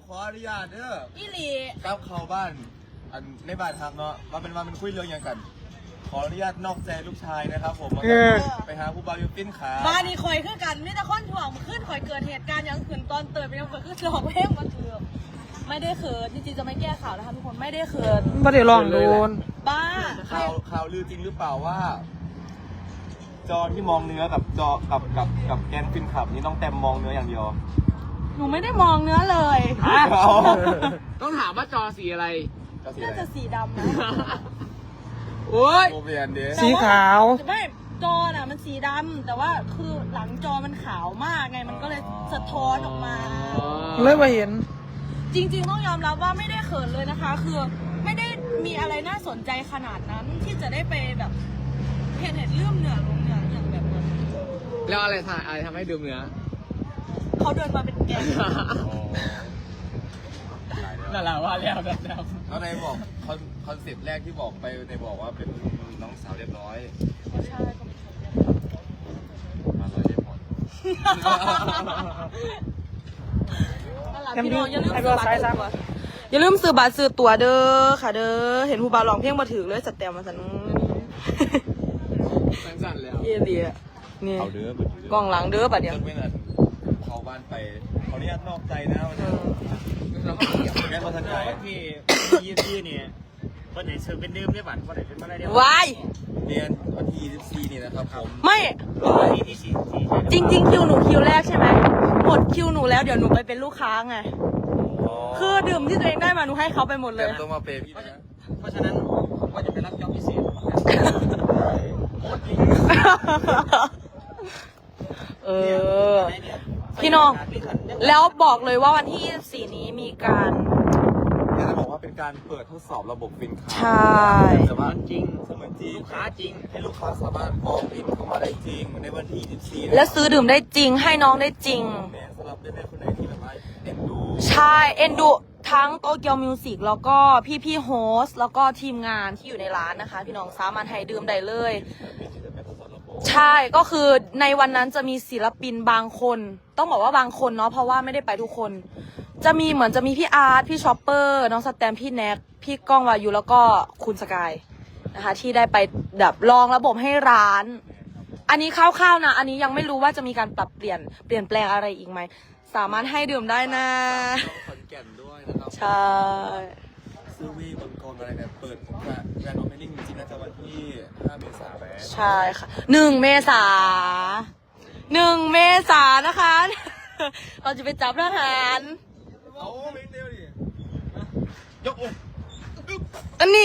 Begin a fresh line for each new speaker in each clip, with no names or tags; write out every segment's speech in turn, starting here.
ขออนุญาตเด้อ
อีหลี
ก้าวเข้าบ้านอันในบ้านทำเนาะมาเป็นคุยเรื่องอย่างกัน ขออนุญาตนอกใจลูกชายนะครับผมไปหาผู้บ่าวยูปิ้นขา
บ้านนี้คอยคือกันนี่แต่คนถ่วงขึ้นคอยเกิดเหตุการณ์อย่างขืนตอนเติร์ไปยังเกิดขึ้นหลอกเพลงมาถือไม่ได้เขินจริงๆจะไม่แก้ข่าวนะคะทุกคนไม่ได้เขิน
ไม่ได้ลองโดน
บ้า
ข่าวลือจริงหรือเปล่าว่า จอที่มองเนื้อกับจอกับแกนฟินขับนี่ต้องเต็มมองเนื้ออย่างเดียว
หนูไม่ได้มองเนื้อเลย
ต้องถามว่าจอสีอะไร
น่าจะสีดำนะ
โอ้ย
โมเบียนเด้
สีขาว
ไม่จอน่ะมันสีดำแต่ว่าคือหลังจอมันขาวมากไงมันก็เลยสะท้อนออกมา
เลยมาเห็น
จริงๆต้องยอมรับว่าไม่ได้เขินเลยนะคะ คือไม่ได้มีอะไรน่าสนใจขนาดนั้นที่จะได้ไปแบบเห็นเลื่อมเหนือลงเหนืออย่างแบบนั้น
แล้วอะไรทำให้ดื่มเนื้อ
เขาเดินมาเป็นแก๊ง
นั่นแหละว่าแล้วแบบ
แล้วในบอกคอนเซ็ปต์แรกที่บอกไปในบอกว่าเป็นน้องสาวเรียบร้อย
ใช่
มาเลยเรียบร้อย
พี่น้องอย่าลืมซื้อบัตรอย่าลืมซื้อบัตรซื้อตั๋วเด้อค่ะเด้อเห็นผู้บ่าวร้องเพลงมาถือเลยสแตมมาสัน
สั่นๆแล้ว
เยี่ยดีอ่ะนี่
เอาเด้อเบิด
กล้องหลังเด้อบัดเดียว
ไม่นานเข้าบ้านไปขออนุญาตนอกใจนะวันนี้แม่มาทันใจ
ที่เนี่ยคนไหนซื้อเป็นดื่มได้บัตรคนไหนเป็นมาได้เดียว
วาย
เรียนวันที่24นี่นะครับผม
ไม่
ที่สี่
จริงคิวหนูคิวแรกใช่ไหมหมดคิวหนูแล้วเดี๋ยวหนูไปเป็นลูกค้าไงคือดื่มที่ตัวเองได้มาหนูให้เขาไปหมดเล
แต่
ย
ต้องมาเปย์พี่นะ
เพราะฉะนั้นผมก็จะไปรับจ็อบพิเศษ
เออ พี่น้อง แล้วบอกเลยว่าวันที่ 24 นี้มีการ
เนี่ยจะบอกว่าเป็นการเปิดทดสอบระบบฟินคา
ใช่
แต่ว่า
จริง
เสมือนจริง
ลูกค้าจริง
ให้ลูกค้าสามารถออกบินเข้ามาได้จริงในวันที่24
และซื้อดื่มได้จริงให้น้องได้จริง
แม่สำหรับแม่คนไหนที่แบบว่าเอ็นดู
ใช่เอ็นดูทั้งโตเกียวมิวสิกแล้วก็พี่โฮสแล้วก็ทีมงานที่อยู่ในร้านนะคะ พี่น้องสามารถให้ดื่มได้เลย ใช่ก็คือในวันนั้นจะมีศิลปินบางคน ต้องบอกว่าบางคนเนาะเพราะว่าไม่ได้ไปทุกคน จะมีเหมือนจะมีพี่อาร์ตพี่ชอปเปอร์น้องสแตมพี่แน็กพี่ก้องวายุแล้วก็คุณสกายนะคะที่ได้ไปแบบลองระบบให้ร้าน อันนี้คร่าวๆนะอันนี้ยังไม่รู้ว่าจะมีการปรับเปลี่ยนแปลงอะไรอีกไหมสามารถให้ดื่มได้นะ
ขอนแก่นด้วยนะครับ
ใช่
ซื้อวีบนกองอะไรเนี่ยเปิดแบรนด์โอเพนนิ่งจริงๆน่าจะวันที่5 เมษายน
ใช่ค่ะ1 เมษานะคะ เราจะไปจับทหาร
เอาไม่เดียวดิยกอก
อันนี้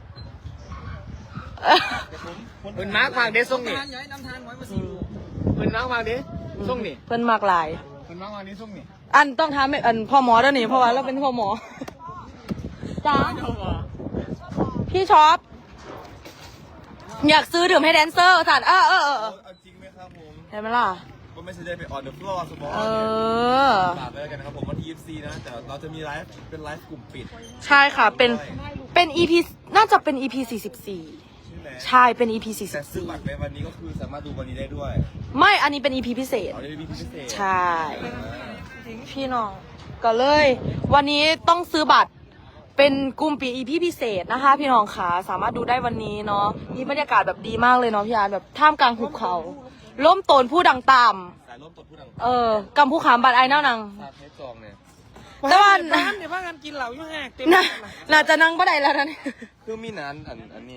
เป็นมาร์กวางเดส่งนี่
ทานย้ายน้ำทานไว้มาสิ
เป็นมาร์กวางเดส่งนี่
เพิ่นมากหลาย
เป็นมาร์กวางเดส่งนี่
อันต้องทำอันพ่อหมอด้วยนี่เพราะว่าเราเป็นพ่อหมอจ้าพี่ช็อปอยากซื้อดื่มให้แดนเซอร์สัตว์
เอาจริงไหมครับผม
เห็นไหมล่ะ
ก็ไม่ใช่ได้ไปออนเดอะฟลอร์สมอล
เอ
เนี่ย
อ
ฝากไว้แล้วกันนะครับผมวันที่24นะแต่เราจะมีไลฟ์เป็นไลฟ์กลุ่มปิด
ใช่ค่ะเป็น EP น่าจะเป็น EP 44
ใช่ไหม
ใช่เป็น EP
แต่ซื้อบัตรในวันนี้ก็คือสามารถดูวันนี้ได้ด้วย
44ไม่อันนี้เป็น EP พิเศษ
เอาได้มีพิเศษ
ใช่ พี่น้องก็เลย วันนี้ต้องซื้อบัตรเป็นกลุ่มปี EP พิเศษนะคะ พี่น้องขาสามารถดูได้วันนี้เนาะนี่บรรยากาศแบบดีมากเลยเนาะพี่อาร์ตแบบท่ามกลางหุบเขาล้มโตนผู้ดังต่
สายร่วมตดผู้ดัง
ำกำผู้ขามบัตรไอ้เน่านัง
ซาเทสจองเนี่ย
แต่ว่า
ร้านเดี๋ยวพากันกินเหล้าอยู่แหกเต็ม
น่าจะนั่งบ่ได้แล้วนะเนี่ย
คือมีนั้นอันนี้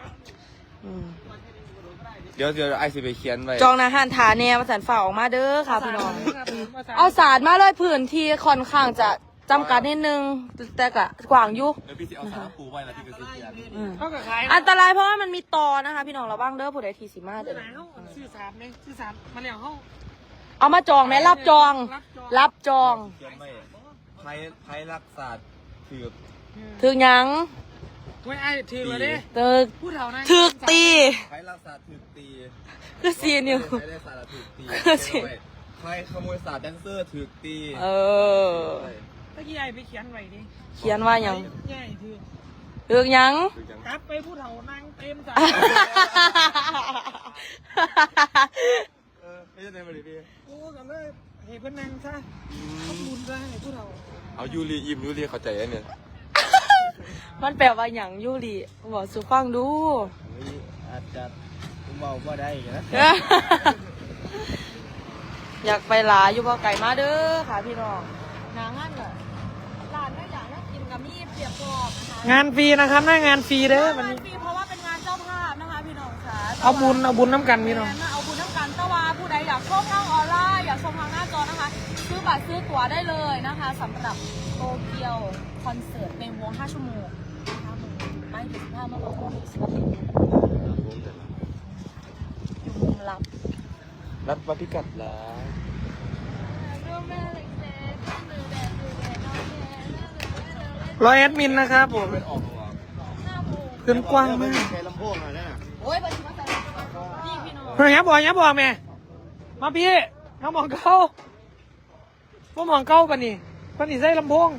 เดี๋ยวไอซีไปเขียนไว้
จองนะฮันทาเนี่ยมาสันฝ่าออกมาเด้อค่ะพี่น้อง เอาสารมาเลยพื้นที่ค่อนข้างจะจำกัดนิดนึงแต่ก็กว้างอยู่
เดี๋ยวพี่สิเอาสารปูไว้แล้วพี่ไปซื้อเขียน
เขากับขาย
อันตรายเพราะว่ามันมีตอนะคะ พี่น้องระวังเด้อผู้ใดทีสีมาเด้อ
ซื้อสารไหมซื้อสารมาแล้วเขา
เอามาจองไหมรับจอง รับจอง
เขียนไว้ไพ่รักษาถือ
ถึงยัง
ไว้ไอ้ถือมาดิ
ตึก
พูดเท่านั้น
ถึกตี
ไพ่รักษาถือตี
คือซีนิว
ไพ่รักษาถือตี
คือสิ
ไพ่ขโมยศาสตร์แดนเซอร์ถือตี
เออ
เมื่อกี้ไอ้ไปเขียนไว้ดิ
เขียนว่ายัง
ใหญ่ถือ
ถึงยัง
ถือยัง
กลับไปพูดเท่านั่งเต็มจ้ะ
ไม่ใช่ในบริเวณ
โอ้กันเลยเฮ้ยเพื่อนนั่งซะขอบคุณซะให้พูดเท่า
เอายูรียิ้มยูรีเข้าใจอันเนี่ย
มันแปลว่าอย่างยูริบอกสุฟังดู
อาจจะเบาบ่ได้นะ
อยากไปหลาอยู่บ่ไก่มาเด้อค่ะพี่น้องนางานเหรอร้านไม่อยากนั่งกินกับมีเปียกกรอบนะคะ
งานฟรีนะครับหน้างานฟรีเด้อวัน
งาน
นี้
ฟรีเพราะว่าเป็นงานเจ้าภาพนะคะพี่น้องค่ะ
เอาบุญน้ำกันพี่น้อง
เอาบุญน้ำกันตะวาผู้ใดอยากชมทางออนไลน์อยากชมทางหน้าจอนะคะ ซื้อบัตรซื้อตั๋วได้เลยนะคะสำหรับโตเกียวคอนเสิร์ตเป็นวง5 ชั่วโมงไม่ถึง5 เมื่อวานนี้อยู่มุมลับ
นัดมาพิกัดแล้ว
ร้อยแอดมินนะครับผมขึ้นกว้างมาก
ใช้ลำโพงอ่ะนะ
โอ้ยบัตรมาแต่พี่พี่น้อง
เฮ้ยอย่าบอกแม่มาพี่น้ำมองเก้าว่ามองเก้าปะนี่ปะนี่ใส่ลำโพง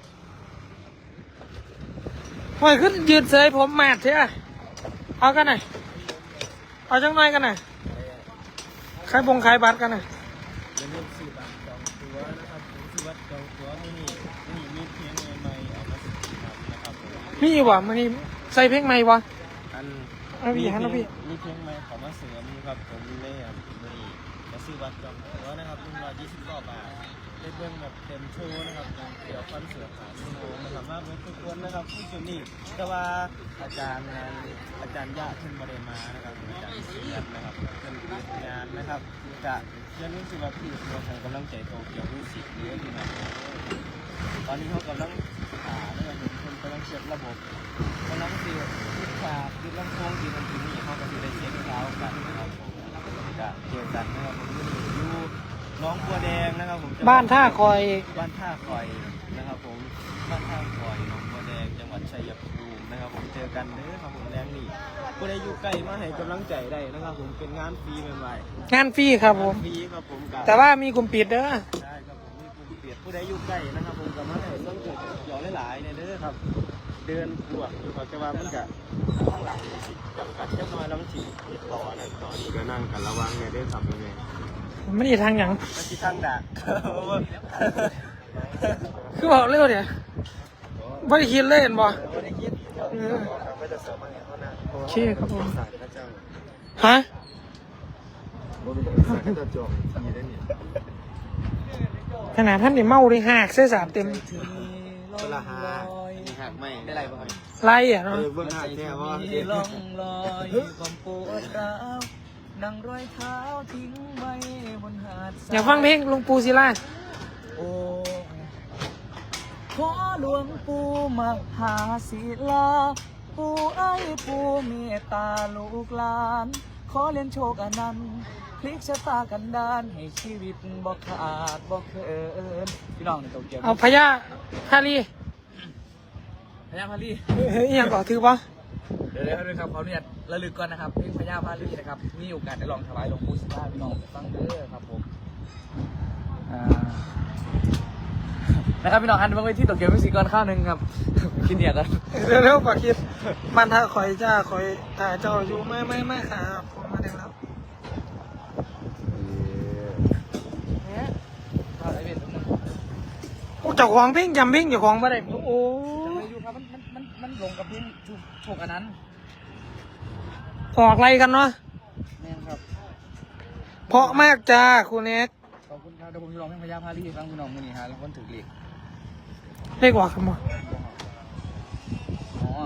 หอยขึ้นยืนเสยผมแมทเถอะเอากันหน่อยเอาจังหน่อยกันหน่อยขายบัตรกันหน่อย
อย่าลืมซื้อบัตรจองตั๋วนะครับซื้อบัตรจองตั๋วนี่มีเพลงใหม่ๆออกมาสินะครับผม
มีวะมันนี่ใส่เพลงใหม่วะ
อัน
เอาพี่ฮันเอาพี่
มีเพลงใหม่ขอมาเสริมครับผมเลยครับนี่มาซื้อบัตรจองตั๋วนะครับ129 บาทได้เบิ่งแบบเต็มโชว์นะครับเกี่ยวกับคอนเสิร์ต3 ชั่วโมงนะครับมาเบิ่งทุกคนนะครับผู้ชมนี่แต่ว่าอาจารย์ยะเพิ่นบ่ได้มานะครับอาจารย์เสียดนะครับเพิ่นติดงานนะครับจะอย่าลืมสิว่าพี่ตัวให้กำลังใจโตเกียวมิวสิกเยอะที่นะตอนนี้เขากำลังหานะครับเพิ่นกำลังเช็คระบบกำลังสิคิดฉากคิดลำโพงคิดอันที่นี่เขาก็สิได้เช็คเช้ากันนะครับผมจะเจอกันนะครับผมอยู่น้องบัวแดงนะครับผม
บ้านท่าคอย
บ้านท่าคอยนะครับผมบ้านท่าคอยน้องบัวแดงจังหวัดชัยภูมินะครับผมเจอกันเด้อครับผมแรงนี่ผู้ใดอยู่ใกล้มาให้กำลังใจได้นะครับผมเป็นงานฟรีใหม่ๆ
งานฟรีครับผม
ฟรีครับผมกับ
แต่ว่ามีกลุ่มปิดเด้อ
ใช่ครับผมมีกลุ่มเปียดผู้ใดอยู่ใกล้นะครับผมกับมาให้ต้องเกิดเกี่ยวหลายๆเนี่ยเด้อครับเดินขวดอยู่กับจะว่ามันกับข้างหลังจำกัดแค่น้อยแล้วมันฉีดต่อนั่นต่อนี่ก็นั่งกันระวังเนี่ยเด้อครับเนี่ย
ไม่ได้ทางหยัง
มันที่ทางดัก
คือบอกเร็วเดี๋ยวไม่ได้คิดเล่นบ่
ไม่ได้คิดไม่ได้เสริมอะไรเขานะ
โอเคครับผม
ศาสตร์พระเจ้า
ฮะ
บ่มีศาสตร์พระเจ้าจอมมีได้เนี่ย
ขนาดท่านนี่เมาเลยหักเส้นสามเต็ม
เวลาหามีหักไม่ได้ไรบ้าง
ไรอ่ะ
เอ
เนาะ
อเบื้องหน้าแค่ว่า
ล่องลอยความปวดร้าวดังรอยเท้าทิ้งไว้บนหาดทร
อยากฟังเพลงหลุงปู่ศิลา
โอ้ขอหลวงปู่มหาศิลาปู่ไอ้ปู่เมตตาลูกหลาน ขอเล่นโชคอนันต์พลิกชะตากันดานให้ชีวิตบ่ขาดบ่เคินพี่น้องในโตเกียว
เอาพญาฮารี
พญาพาลี
เฮ้ยอหยังก่อถือปะ
เดี๋ยวด้วยครับเขาเนี่ยระลึกก่อนนะครับเพลงพญาพาลีนะครับมีโอกาสได้ลองถวายหลวงปู่ศิลาพี่น้องฟังเด้อครับผมนะครับพี่น้องอันเมื่อที่โตเกียวมิวสิกก่อนข้าวหนึ่งครับกินเดียกัน
เร็วๆกว่าคิดบ้านท่าคอยจ้าคอยถ่ายเจ้าอยู่ไม่ครับผมมาถึงแล้ว โอ้เจ้าของเพลงจำเพลงเจ้าของมาได้โอ้
จะไปอยู่ครับมันลงกับเพลงถูกอันนั้น
ออกอะไรกันเนาะ
แม่ครับ
เพราะมากจ้าคุณเน็ก
ขอบคุณครับเดี๋ยวผมจะลองเพลงพญาพาลีฟังพี่น้องมือนี้ฮะแล้วคนถือเหล็ก
เรียกว่าคำว่า
อ๋อ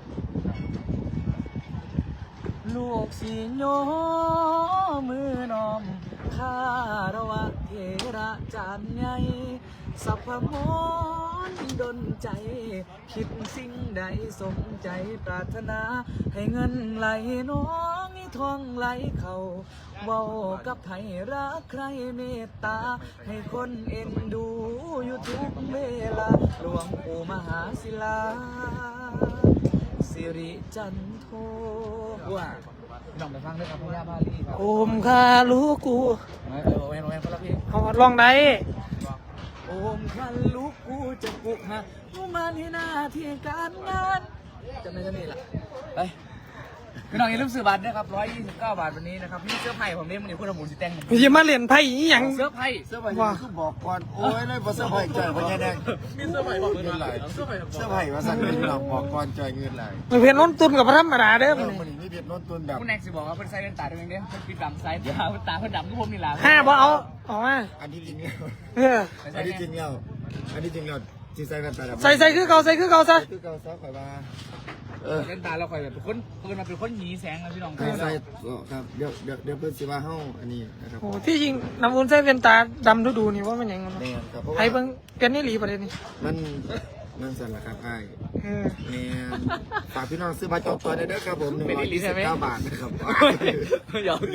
ลูกสีโยมือนอมข้าระวะเทระจานใหญ่สัพพมนดนใจ คิดสิ่งใดสมใจปรารถนา ให้เงินไหลน้องให้ทองไหลเขาเว้ากับไผรักใครเมตตา ให้คนเอ็นดูอยู่ทุกเวลาหลวงปู่มหาศิลา สิริจันโทว่าพี่น้องไปฟังด้วยครับพญาพาลีครับ
โอมคาลูกู
แวนคนละเพลง
เอาลองได้
โอมคันลูกกูจะปลุกฮะมุมันให้หน้าที่การงานจำได้เท่านี้ล่ะไปพี่น้องอย่าลืมซื้อบัตรนะครับ129 บาทวันนี้นะครับพี่เสื้อไผ่ผมเนี่ยมันนี่คุณทำบุญสิแต่ง
อย่ามาเล่นไพ่อีหยัง
เสื้อไผ่
เสื้อใหม่คือบอกก่อนโอ้ยเลยบ่เสื้อใหม่จ่ายพญาแดง
มีเสื้อไผ่บอกเงิน
ไหล
เสื้อไผ่บอก
เสื้อใหม่มาสั่งเงินหลอกบอกก่อนจ่ายเงินไหล
มันเพียนน้นตุนกับพระธรรมดาเด้อ
มันนี่เพชรน้นตุนแบบ
คุณแน็กสิบอกว่าเป็นไซเรนตาด้วยเด้เป็นปิดดำไซด์ตาตาเพิ่นดำทุกผมนี่ล่ะ
ห้าบ่เอามา
อันนี้จริงแล้ว
เออ
อันนี้จริงแล้วอันนี้จริงแล้วที่ใส่กันตา
ใส่คือเก่าใส่คือเก่าซะ
คือเก่าซะข่อยว่า
เล่นตาเราคอยแบบเป็นคนเพิ่นมาเป็นคนหนีแสงนะพี่น้อง
ใส่ครับเดี๋ยวเพิ่นสิว่าเฮาอันนี้นะครับ
โอ้ที่จริงน้ำอุ่นใส่เป็นตาดำดูนี่ว่ามันหยัง
แม่นครับเพราะ
ไอ้
ว่า
เบิ่งเป็นนี่หลีประเด็นนี้
มันสั่นละครับไอ้
เออ
แม่นฝากพี่น้องซื้อบัตรจองตัวได้เด้อครับผม129 บาทนะครับ
หยอก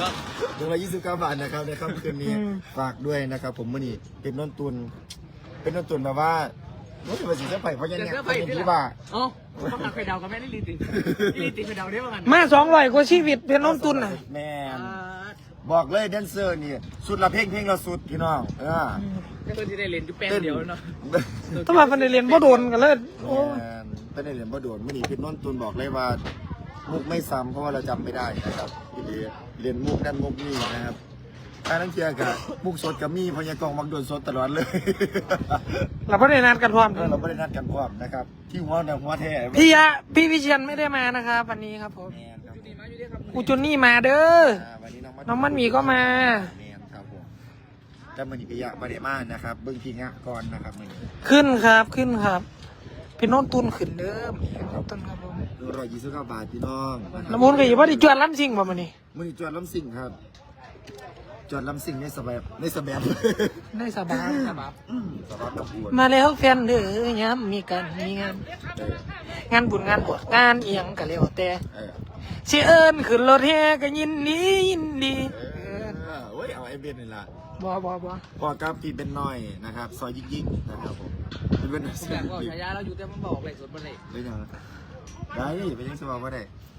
129 บาทนะครับในค่ำคืนนี้ฝากด้วยนะครับผมมื้อนี้เป็นน้นตุนแบบว่ารู้สึกว่าสิเสื้อไผ่เพราะยังเนี่ยเป็นที่ว่า
อ๋อต้องหาไข่ดาวกับแม่นี่ลีติไข่ดาวได้ป่ะกัน
มา200กว่าชีวิตเป็นน้นตุนน่ะ
แม่นบอกเลยแดนเซอร์นี่สุดละเพลงละสุดพี่น้อง
ก็เพิ่นสิได้เล่นอยู่แป้งเดียวเนาะ
ต้องมาเพิ่นได้เรียนบ่โดนกันเลยโอ้
เป็นในเหรียญบ่โดนมื้อนี้พี่น้นตุนบอกเลยว่ามุกไม่ซ้ำเพราะว่าเราจำไม่ได้นะครับพี่เรียนมุกนั่นมุกนี่นะครับการนั่งเทียกับมุกสดกับมีพญากองมักโดนสดตลอดเลย
เราบ่ได้นัดกันพร้อม
เราไม่ได้นัดกันพร้อมนะครับที่หัวแต่หัวแท้
พี่วิเชียนไม่ได้มานะครับวันนี้ครับผม
แมนครับ
กูจุนนี่มาเด้อ
วันนี้
น้องมันหมีก็มา
แมนครับผมแล้วมันอีกยะประเดมานะครับเบิ้งพีงะก่อนนะครับมัน
ขึ้นครับพี่น้องตุนขึ้นเด้อพี่น้องตุนครับผม
129 บาทพี่น้อง
น้ำมูลก็อย่าว่าดิจวนล้ำซิงบ่มื้อนี้
มันจอดลำสิ่งครับจอดลำสิ่งในสบาย
ได้สบาย
สบายกับอวด
มาแล้วแฟนเด้อยามมีกันมีงานบุญงานบวชงานเอียงก็แล้วแต่สิเอิ้นขึ้นรถแห่ก็ยินดี
โอ้ยเอาไอเบนนี่ล่ะ
บ่
พอกับพี่เป็นน้อยนะครับซอยยิ่งนะครับผมเป็น
ผมอยากบอกฉายาเราอยู่แต่มันบอกเลยสดบ่ได้
ได้ยังได้ไปยังสบายว่าได้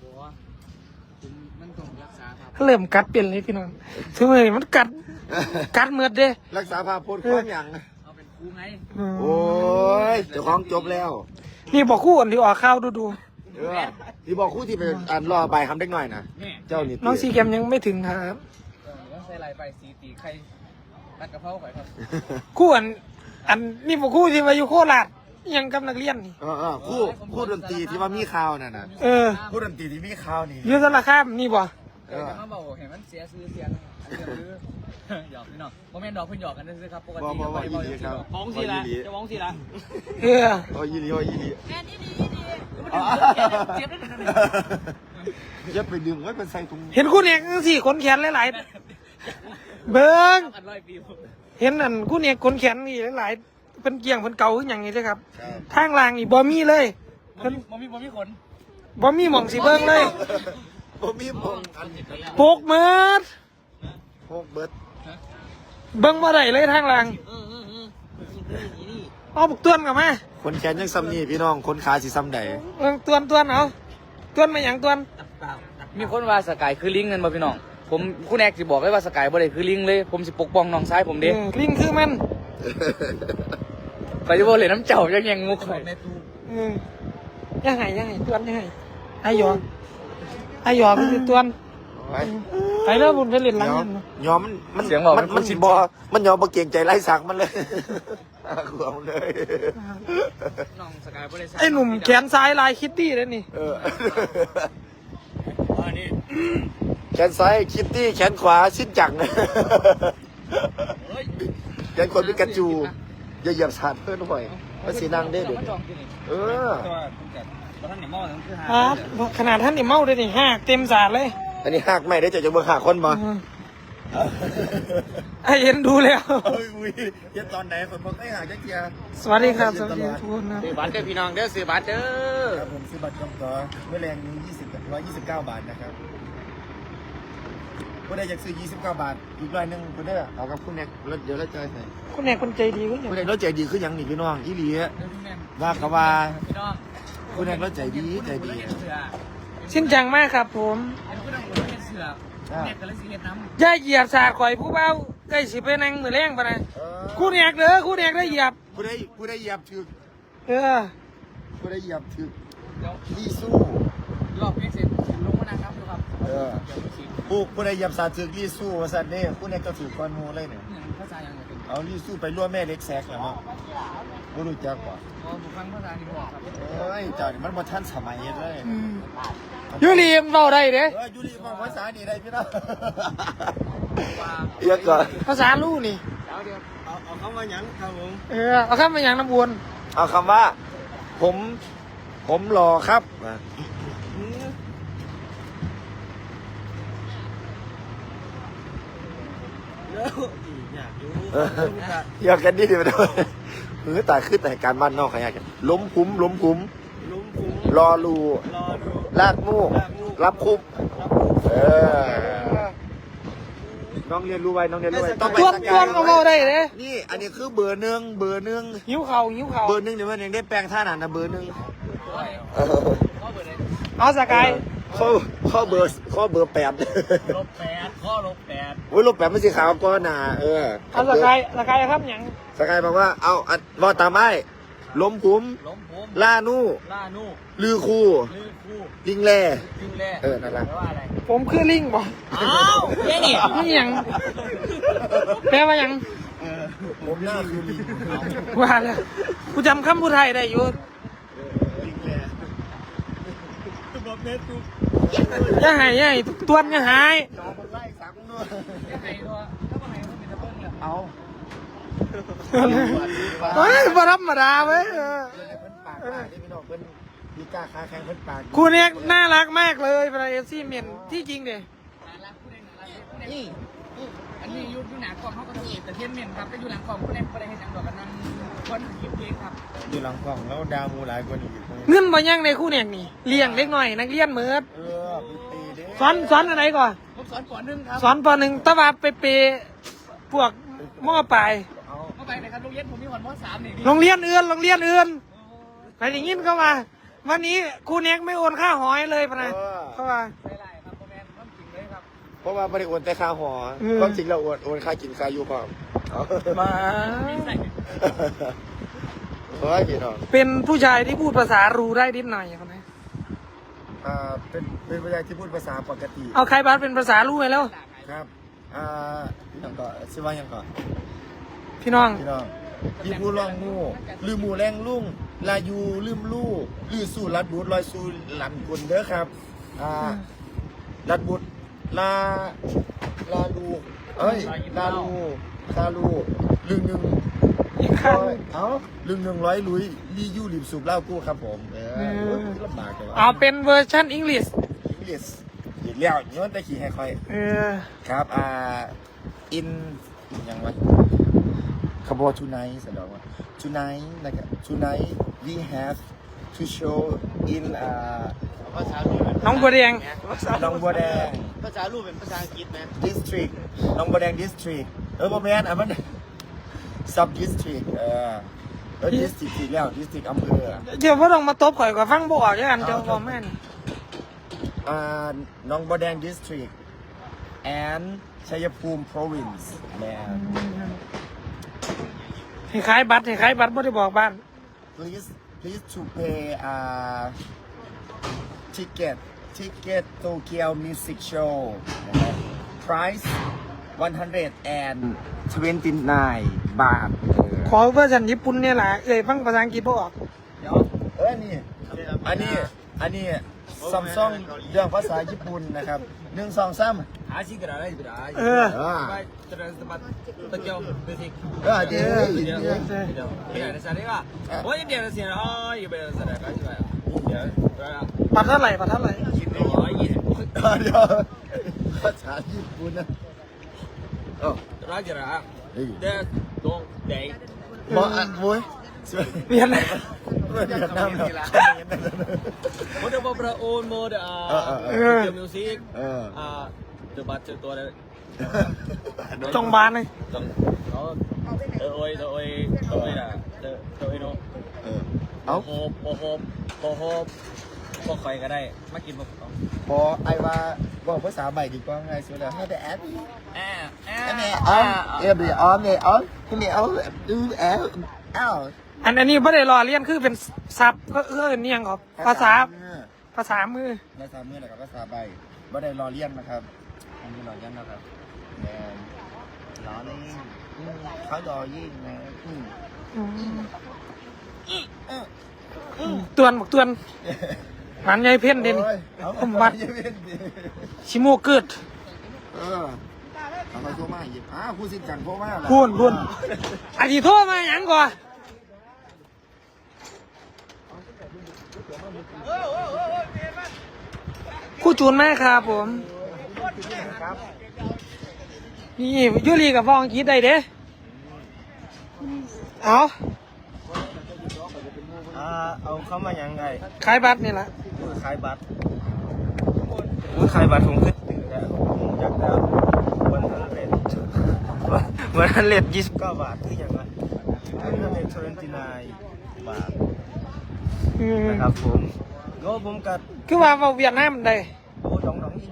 มันต้องรักษาครับ
เริ่มกัดเปลี่ยนเลยพี่น้องถึงมื้อนี้มันกัดเมือดเด้
รักษาภาพโพสความอย่าง
เอาเป็นครูไง
โอ้ยเจ้าของจบแล้ว
นี่บอกคู่อันที่ออกข่าวดู
ที่บอกคู่ที่ไปอ่านรอใบคำเล็กหน่อยนะเจ้านี่
น้องซีแกมยังไม่ถึงครับ
ต้องใส่ลายไปสีตีไข่ตัดกระเพราไข่ครับ
คู่อันนี่บอกคู่ที่มาอยู่โคราชยังกับนักเรียนนี่
คู่ดนตรีที่ว่ามีข่าวน่ะนะ คู่ดนตรีที่มีข่าวนี่
อยืดสารคามนี่บ่
แต่มาบอกเห็นมันเสียซื้อเสียหยอกพี่น้องโมเมนต์ดอกเพิ่นหยอกกันซื้อครับปกติบ้องสิละจะบ้องสิละ
โอ้ยยี่ดีโอ้ยยี่ดี
แม่นี่ดี
เจ็บได้ขนาดนี้
อย่าไปดึงไว้เป็นใส่ถุง
เห็นคู่เนี่ยสี่ขนแขนหลายๆเบิ้ง
กัน100 ปี
เห็นอันคู่เนี่ยขนแขนนี่หลายๆเป็นเกี่ยงเป็นเก่าขึ้นอย่างนี้ใช่ครับทางล่างนี่บ่มีเลยเพิ่น
บ่มีขน
บ่มีหม่องสิเบิ้งเลย
ผมมีพงอัน
โปกเมิด
พงเบิร์ด
เบิ้งบ่ได้เลยทางล่างเอาบุกต้วนกลับมา
คนแขนยังซ้ำนี่พี่น้องคนขาสิซ้ำใด
ต้วนเอาต้วนมาอย่างต้วน
มีคนว่าสกายคือลิงเงินบ่พี่น้องผมคุณแอกสิบอกเลยว่าสกายบ่ได้คือลิงเลยผมสิปกป้องน้องชายผมเด้
ลิงคือมัน
ไปจะบอกเลยน้ำเจ้ายังมุกข่อย
ยังไงต้วนยังไงไอหยอมันคือต้วนไปแล้วบุญไปเล่นหลังเงิน
ยอมมันมันสิบอมันยอมบ่เก่งใจไล่สักมันเลยขวมเลย
น้องสกายบ่ได้
ไอหนุ่มแขนซ้ายลายคิตตี้แล้วนี่
นี่
แขนซ้ายคิตตี้แขนขวาชิ้นจังแขนขวาพิกาจูอย่าเหยียบสาดเพื่อนหน่อยมันสีนางได้เด็ก
ขนาดท่านนี่เมาเลยนี่หักเต็มสาดเลย
อันนี้หักไม่ได้จะเบิ่งหักคนมา
ไอเห็นดูแล้ว
อุ้ยเดี๋ยวตอนไหนคนบอกให้หักจักเกียร์
สวัสดีครับสวัสดีทุกคนนะ
ซื้อบัตรเด้อพี่น้องเด้อซื้อบัตรเด้อ
ครับผมซื้อบัตรจองตัวเมื่อแรง129 บาทนะครับผู้ใดอยากซื้อ29 บาทอีกร้อยนึงผู้ใดเอากับคุณแน็กเดี๋ยวเราจ่ายให้
คุณแม่คนใจดีก็อย่าง
ผู้ใดเราใจดีคือหยังนี่พี่น้องอีหลีว่าก็ว่า
พี่น้อง
คุณแน็กเราใจดี
ชิ้นจังมากครับผม
ผู้น้องบ่ได้เสือแม่ก็เลยสิเฮ็ดน้ำ
ย่าเหยียบสาดข่อยผู้เบาใกล้สิไปนั่งมือแรงปะนะคู่แนกเด้อคู่แนกได้เหยียบ
ผู้ใดเหยียบถึก
เออ
ผู้ใดเหยียบถึก
เดี๋ยว
ดีสู้
รอบนี้เสร็จลงมานะครับดูครับ
ผู้ใดยับสาจึกรีสู้ว่าสัตว์เนี่ยผู้นี้ก็ถือก้อนมูเลยเนี่ย
ภาษาอย่างไรเป็น
เอารีสู้ไปร่วมแม่เล็กแซกแล้วเนาะไม่รู้จักกว่า
ผมฟังภาษาที่บอกครับ
เอ้ยเจ้านี่มันมาทันสมัยเลย
ยูรีมเราได้เด้
ยูรีฟังภาษานี่ได้พี่น้องเยอะก่อน
ภาษาลู่นี่
เอาเข้ามาหยังครับผม
เอาข้ามไปอย่างน้ำวน
เอาคำว่า ผมรอครับ
แล้วอยากอยู่
อยากกันดิไปด้วยตายขึ้นแต่การบ้านนอกขยากกันล้มคุ้ม
ลุ้มฟุ้ง
รอรู
รอดู
ลากมูกรับคุมน้องเรียนรู้ไว้น้องเรียนรู้ไว้ต้องไป
ต้วน
ส
ต้
กา
วย นเราได้เด้
นี่อันนี้คือเบอร์หนึ่ง
หิวเข่าหิวเข่า
เบอร์หนึ่งเดี๋ยวมันยังได้แปลงท่านั้นนะเบอร์หนึ่ง
เอาสกาย
ข้อเบอร์8
ลบ8ข้อลบ8
โอ้ยลบ8ไม่ใช่ขาวก้อนหนา
เอาสกายครับอย่าง
สกายบอกว่าเอารอตามไม้ล้มคุ้ม
ล้มผม
ล่านู่
ล่านู่
ลือคู่
ลือคู่
ลิงแล่
ลิงแร่
นั่นแหละ
แปลว่าอะไร
ผมคือลิงบ่
อ้าวแค่นี้
นี่อย่างแปลว่าอย่าง
ผมหน้าคือลิง
ว่าแล้วกูจำคำพูดไทยได้อยู่
ลิงแล่
บอกเน็ตกู
อย่าหายอย่าหายตัวนอย่าหาย
จอมันไล่สังด้วย
ไอ้ตัวถ้าคนไหนมันเป็นตะเบิ้ลเนี่ย
เอา
เฮ้ยบ่ธรรมดาเว้ย
เพิ่นปากที่พี่น้องเพิ่นมีกล้าค้าแข่งเพิ่นปาก
คู่เนี้ยน่ารักมากเลยเป็นเอฟซีเมียนที่จริงเด้
น่ารักผู้ใดน่ารักผู้ใดนี่อันนี้อยู่หนากล่องเขาก็ทำเองแต่เทียนเมียนครับแต่อยู่หลังกล่องผู้ใดผู้ใดให้จังดอกกันนั่งคนหยิบเองครับ
อยู่หลังกล่องแล้วดาวมูหลายกว่านี้
เงินบ่ยังในคู่เนี้ยนี่เลี้ยงเล็กหน่อยนักเรียนเหมือด
มีตีเด้
สอนอะไรก่อน
ผมสอนก่อนนึงครับ
สอนปหนึ่งตะวันไปเปพวกหม้อปลาย
เข้าไปนะครับโรงเรียนผมมีวันม.3นี่
โรงเรียนอื่นไปอย่างงี้เข้ามาวันนี้ครูเน็กไม่โอนค่าหอยเลยพะนะเข้ามา
ไม่ไรครับโมแมนต้องจริงเลยครับ
เพราะว่าไม่ได้โอนแต่ค่าหอความจริงเราโอนค่ากินค่าอยู่พร้อม
มา
เฮ้ยพี่น้อง
เป็นผู้ชายที่พูดภาษารูได้นิดหน่อยพะนะ
เป็นผู้ชายที่พูดภาษาปกติ
เอาใครบ้านเป็นภาษารูไปแล้ว
ครับอย่างก่อนชื่อว่าอย่างก่อน
พี่น้อง
พี่น้องพี่พูดล่องมู่ลืมหมู่แรงลุ่งลายูลืมลู่ลือสู่รัดบุตรลอยสู่หลันกุลเด้อครับรัดบุตรลาลูเอ้ยลาลูลึงหนึ่ง
อีกครั้ง
ลึง100ลุยรียูริบสูบเหล้ากู้ครับผมลำบากเลย
เอาเป็นเวอร์ชันอังกฤษ
อังกฤษอีกแล้วย้อนแต่ขี่ให้ค่อย ครับin ยังไงคำว่า tonight แสดงว่า tonight นะครับ tonight we have to show in
ภาษาลูกเป็น
น้องบัวแดง
หนองบัวแดง
ภาษาลูกเป็นภาษาอังกฤษไหม
district หนองบัวแดง district บ่แม่นมัน sub district district อีกแล้ว district อำเภอ
เดี๋ยวพ่อต้องมาตบข่อยกับฟังบ่ออกด้วยกันเจ้าพ่อแม่น
หนองบัวแดง district and ชัยภูมิ province แม่
ให้ขายบัตรไม่ได้บอกบ้าน
please to pay ticket Tokyo Music Show นะครับ price 129 บาท
ขอเวอร์ชันญี่ปุ่นเนี่ยแหละฟังภาษาอังกฤษบ่ออก
อันนี้ซัมซุงเรื่องภาษาญี่ปุ่นนะครับ1 2 3
หาชิกระไรไปได้ ไปจะได้สมัครตะเกียวเบสิก
เดี๋ยว
เดี๋ยวไม่ได้สัตว์ได้ป่ะโอ้ยเดี๋ยวเสียอ๋ออยู่ไปสัตว์ได้ก็ใช่ไหมเดี๋ยว
บัตรเท่าไหร่
คิด120
เดี๋ยวภาษาญี่ปุ่นนะ
ร้อยจะระเดี๋ยวตรงเด็ก
บอกมวย
เรียนอะไร
เวียดนาม
โมเดลบอประโอนโมเดลเกี่ยวมิวสิกเดอะบัตเจอตัวเลย
จงบานเลย
ต้องโอ้ยอ่ะโอ้ยโน้
เอา
โฮบก็ใครก็ได้มากินมา
พอไอ้ว่าบอกภาษาใหม่ดีกว่าไงสุดแล้วให้แต่แอป
แอ
every on the on ให้มีเอาดูแอปอ้าว
อันนี้ไม่ได้รอเรียนคือเป็นซับก็นี่ยังครับภาษาภาษามือ
ภาษามือแล้วกับภาษาใบบ่ได้รอเลียนนะครับ
อันนี้หล่อยังนะครับ
แมน
หล่อนี่
เขารอยิ่งนะ
ตวนบอกตวนหมันใหญ่เพ่นเด่น
โอ้ยเอา
ผมบัด
อย่าเว้นดิ
ชิโมเกิด
เออเอาไปโทรมาหยิบผู้สิทธิ์จังโทรมาแล้ว
พูนอาทิโทรมาหยังก่อนคู่จูนแม่ครับผมนี่ยูรีกับฟองคิดได้เด้เอา
เอาเข้ามายังไง
ขายบัตรนี่แหละ
ขายบัตรขายบัตรผมขึ้นตื่นแล้วผมอยากได้วันนั้นเลทวันนั้นเลท29 บาทคืออย่างไรวันนั้นเลท29 บาทนะครับผมก็ผมกัด
คือว่าเอาเวียดนามได้
โอ้ดองอีก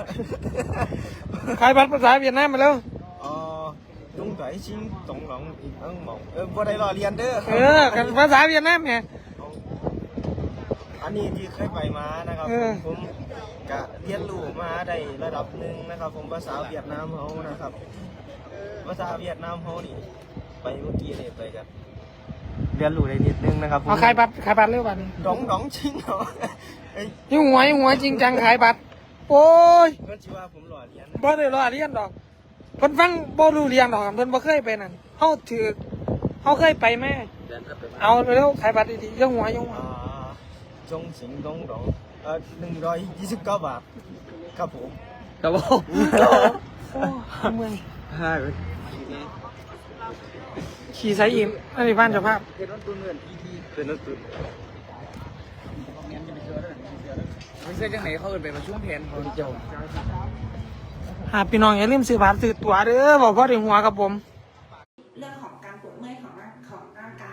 ขายบัตรภาษาเวียดนามมาแล้ว
trung cải xin tổng lòng mộng vô đây là liền đó
กันภาษาเวียดนามไง
อันนี้ที่เคยไปมานะครับผมกะเรียนรู้มาได้ระดับหนึ่งนะครับผมภาษาเวียดนามเขานะครับภาษาเวียดนามเขานี่ไปเมื่อกี้เนี่ยไปกันเรียนรู้ได้นิดนึงนะครับผม
เอาขายบัตรเร็วบัตร
ดองจริงเหรอไอ้
ยิ่งหัวจริงจังขายบัตรโอ้ย
เพื่อนชื่อว่าผมหล่อเรียน
บ่ได้รอเรียนดอกเพิ่นฟังบ่รู้เรียนดอกเพิ่นบ่เคยไปนั่นเฮาเคยไปแม่เอาเร็วขายบัตรดีๆยิ่งหัว
จงสิงดอง129 บาทครับผม
ครับผม
เมื่อย
ใช่
ขี่ไซอิมอันนี้บ้านเจ้าภาพ
เป็นรถตู้เงินเป็นรถตู้ไม่ใช่จังไหนเขาเอินไปประชุมแผนของเจ้า
พี่น้องอย่าลืมซื้อบัตรซื้อตั๋วเด้อบ่พอได้หัวกับผม